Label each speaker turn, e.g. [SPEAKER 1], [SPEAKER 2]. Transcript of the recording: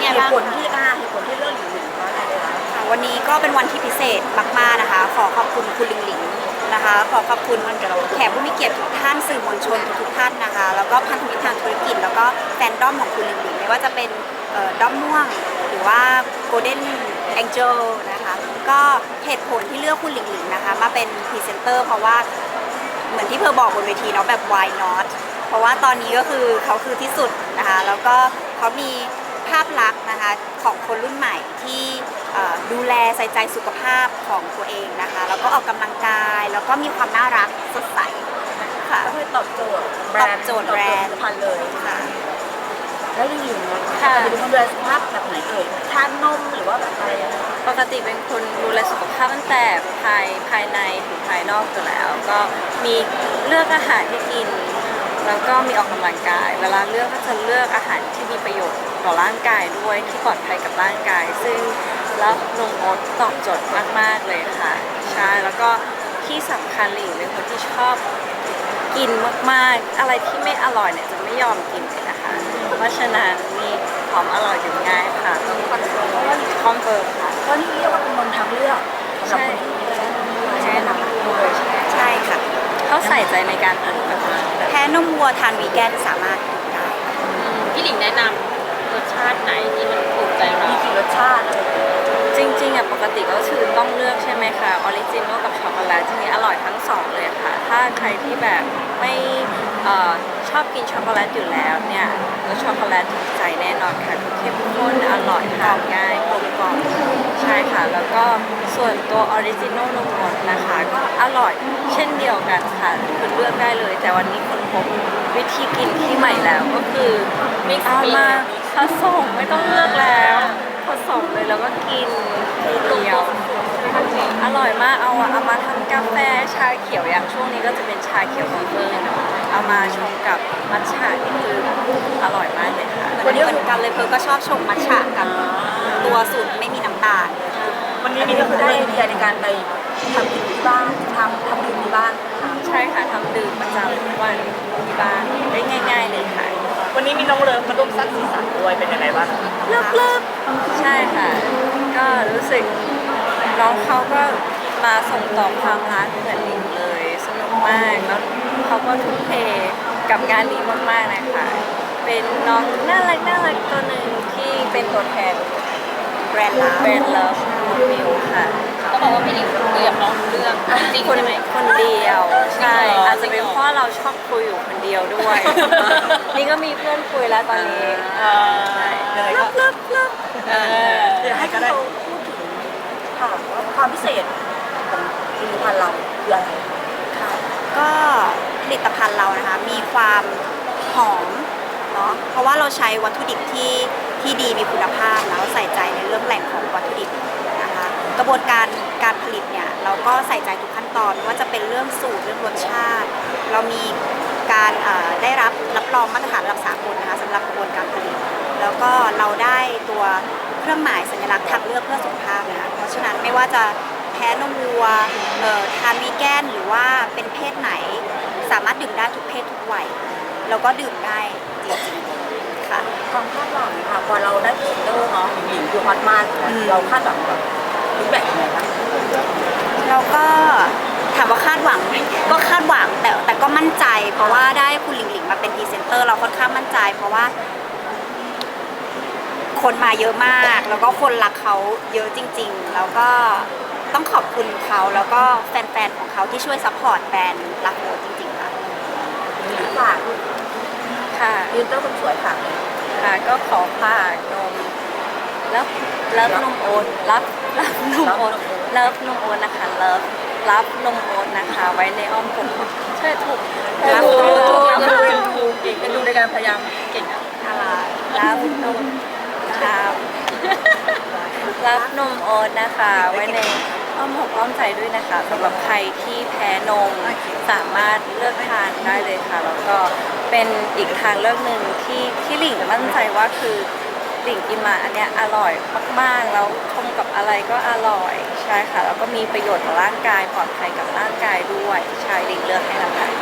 [SPEAKER 1] เหตุ
[SPEAKER 2] บ้าง
[SPEAKER 1] ผลที่เลือกหลิงหลิงเพราะอะไรเลยคะ
[SPEAKER 3] ค่ะวันนี้ก็เป็นวันที่พิเศษมากๆนะคะขอขอบคุณคุณหลิงหลิงนะคะขอขอบคุณแขกผู้มีเกียรติทุกท่านสื่อมวลชนทุกๆท่านนะคะแล้วก็พันธมิตรทางธุรกิจแล้วก็แฟนด้อมของคุณหลิงหลิงไม่ว่าจะเป็นด้อมม่วงหรือว่า Golden Angel นะคะก็เหตุผลที่เลือกคุณหลิงหลิงนะคะมาเป็นพรีเซนเตอร์เพราะว่าเหมือนที่เพอบอกบนเวทีเนาะแบบ why not เพราะว่าตอนนี้ก็คือเขาคือที่สุดนะคะแล้วก็เขามีภาพลักษณ์นะคะของคนรุ่นใหม่ที่ดูแลใส่ใจสุขภาพของตัวเองนะคะแล้วก็ออกกำลังกายแล้วก็มีความน่ารักสดใสค่ะ
[SPEAKER 1] ก็คือตอบโจทย์แบรนด์
[SPEAKER 3] ตอบโจทย์แบรนด์
[SPEAKER 1] ตอบโจทย์ผลิตภัณฑ์เลย
[SPEAKER 3] ค่ะ
[SPEAKER 1] แล้วหลิงหลิงนะ
[SPEAKER 2] ค่ะ
[SPEAKER 1] จะเป็นคนดูแลสุขภาพแบบไหนเอ่ยทานนมหรือว่าแบบอะไรยังไง
[SPEAKER 2] ปกติเป็นคนดูแลสุขภาพตั้งแต่ภายในถึงภายนอกอยู่แล้ว ก็มีเลือกอาหารที่กิน แล้วก็มีออกกำลังกาย เวลาเลือกก็จะเลือกอาหารที่มีประโยชน์ต่อร่างกายด้วยที่ปลอดภัยกับร่างกาย ซึ่งแล้วนมโอ๊ตตอบโจทย์มากๆเลยค่ะใช่แล้วก็ที่สำคัญหลิงเป็นคนที่ชอบกินมากๆ อะไรที่ไม่อร่อยเนี่ยจะไม่ยอมกินเลยนะคะ เพราะฉะนั้นมีความอร่อยอยู่ง่ายค่ะต้องคอนเฟิร์มค่ะ
[SPEAKER 1] ก็นี่เรียกว่าเป็นนมทางเลือกสำหรับคนที่ดูแลนมวัวใช่ไหมคะ
[SPEAKER 3] ใช่ค่ะ
[SPEAKER 2] เขาใส่ใจในการปลูกแบบนั้น
[SPEAKER 3] แพ้นมวัวทานวีแกนสามารถกินได้ค่ะ
[SPEAKER 4] พี่หลิงแนะนำรสชาติไหนที่มันถูกใจเรา
[SPEAKER 1] มีกี่รสชาติอะไรอย่างเงี้ย
[SPEAKER 2] จริงๆอ่ะปกติก็คือต้องเลือกใช่ไหมคะออริจินอลกับช็อกโกแลตทีนี้อร่อยทั้งสองเลยค่ะ ถ้าใครที่แบบไม่ชอบกินช็อกโกแลตอยู่แล้วเนี่ยรสช็อกโกแลตถูกใจแน่นอนค่ะคือเข้มข้นอร่อยทานง่ายกลมกล่อมใช่ค่ะ แล้วก็ส่วนตัวออริจินอลนมสดนะคะก็อร่อยเช่นเดียวกันค่ะคือเลือกได้เลย แต่วันนี้คนพบวิธีกินที่ใหม่แล้วก็คือเอามาผสมไม่ต้องเลือกแล้วผสมเลยแล้วก็กินทีเดียว อร่อยมากเอามาทำกาแฟชาเขียวอย่างช่วงนี้ก็จะเป็นชาเขียวของเฟิร์นเอามาชงกับมัทฉะนี่คืออร่อยมากเลยค่ะ
[SPEAKER 3] เหมือนกันเลยเพอก็ชอบชงมัทฉะกับตัวสูตรไม่มีน้ำตาล
[SPEAKER 1] วันนี้ก็คือได้ไอเดียในการไปทำกินที่บ้านทำดื่มที่บ้านค่ะ
[SPEAKER 2] ใช่ค่ะทำดื่มประจำทุกวันที่บ้านได้ง่าย ๆเลยค่ะ
[SPEAKER 1] วันนี้มีน้องเลิฟมาร่วมสร้างสีสันด้วยเป็นยังไงบ้าง
[SPEAKER 2] เลิฟใช่ค่ะ ก็รู้สึกน้องเขาก็มาส่งต่อความรักเหมือนลิงเลยสนุกมากแล้วเขาก็ทุ่มเทกับงานนี้มากๆนะคะเป็นน้องน่ารักตัวหนึ่งที่เป็นตัวแทน
[SPEAKER 3] แบรนด์ลา
[SPEAKER 2] แบรนด์เลิฟมิวค่ะ
[SPEAKER 4] ก็บอกว่าพี่หลิงคุยกับน้องรู้เรื่องจริง
[SPEAKER 2] คน
[SPEAKER 4] ใช่ไหม
[SPEAKER 2] คนเดียวใช่
[SPEAKER 4] จริงเหรอ
[SPEAKER 2] อาจจะเป็นเพราะเราชอบคุยอยู่คนเดียวด้วย นี่ก็มีเพื่อนคุยแล้วตอนนี้ใช่
[SPEAKER 1] ยังไงก็
[SPEAKER 2] เลิฟ
[SPEAKER 1] เดี๋ยวให้เขาพูดถึงค่ะว่าความพิเศษของผลิตภัณฑ์เราคืออะไร
[SPEAKER 3] ค่ะก็ผลิตภัณฑ์เรานะคะมีความหอมเนาะเพราะว่าเราใช้วัตถุดิบที่ดีมีคุณภาพแล้วใส่ใจในเรื่องแหล่งของวัตถุดิบนะคะกระบวนการผลิตเนี่ยเราก็ใส่ใจทุกขั้นตอนไม่ว่าจะเป็นเรื่องสูตรเรื่องรสชาติ เรามีการได้รับรองมาตรฐานระดับสากลนะคะสำหรับกระบวนการผลิต แล้วก็เราได้ตัวเครื่องหมายสัญลักษณ์ทางเลือกเพื่อสุขภาพนะคะเพราะฉะนั้นไม่ว่าจะแพ้นมวัวทานวีแกนหรือว่าเป็นเพศไหน สามารถดื่มได้ทุกเพศทุกวัยแล้วก็ดื่มได้จริงๆค่ะ
[SPEAKER 1] ความคาดหวังค่ะพอเราได้พรีเซนเตอร์เนาะหญิงคือฮอตมากเราคาดหวังแบบฟีดแบ็กยังไงบ้าง
[SPEAKER 3] เราก็ถามว่าคาดหวังไหมก็คาดหวังแต่ก็มั่นใจ เพราะว่าได้คุณหลิงหลิงมาเป็นพรีเซนเตอร์เราค่อนข้างมั่นใจ เพราะว่า คนมาเยอะมาก แล้วก็คนรักเขาเยอะจริงๆ แล้วก็ต้องขอบคุณเขาแล้วก็แฟนๆของเขาที่ช่วยซัพพอร์ตแบรนด์รักโรจริงๆค่ะ
[SPEAKER 1] ฝาก
[SPEAKER 2] ค่ะ
[SPEAKER 1] พรีเซนเตอร์คนสวยฝากเลย
[SPEAKER 2] ค่ะก็ขอฝากนมแล้วนมโอ๊ตรับนมโอ๊ตเลิฟนมโอ๊ตนะคะรับนมโอ๊ตนะคะ ไว้ในอ้อมอกใช่ถูกรับนมโอ๊ต
[SPEAKER 1] เป็นดูในการพยายามเก่งอะ
[SPEAKER 2] รับนมครับรับนมโอ๊ตนะคะ ไว้ในอ้อมอกอ้อมใจด้วยนะคะสำหรับใครที่แพ้นมสามารถเลือกทานได้เลยค่ะ แล้วก็เป็นอีกทางเลือกหนึ่งที่หลิงมั่นใจว่าคือหลิงกินมาอันเนี้ยอร่อยมากๆแล้วชมกับอะไรก็อร่อยใช่ค่ะแล้วก็มีประโยชน์ต่อร่างกายปลอดภัยกับร่างกายด้วยใช่หลิงเลือกให้แล้วค่ะ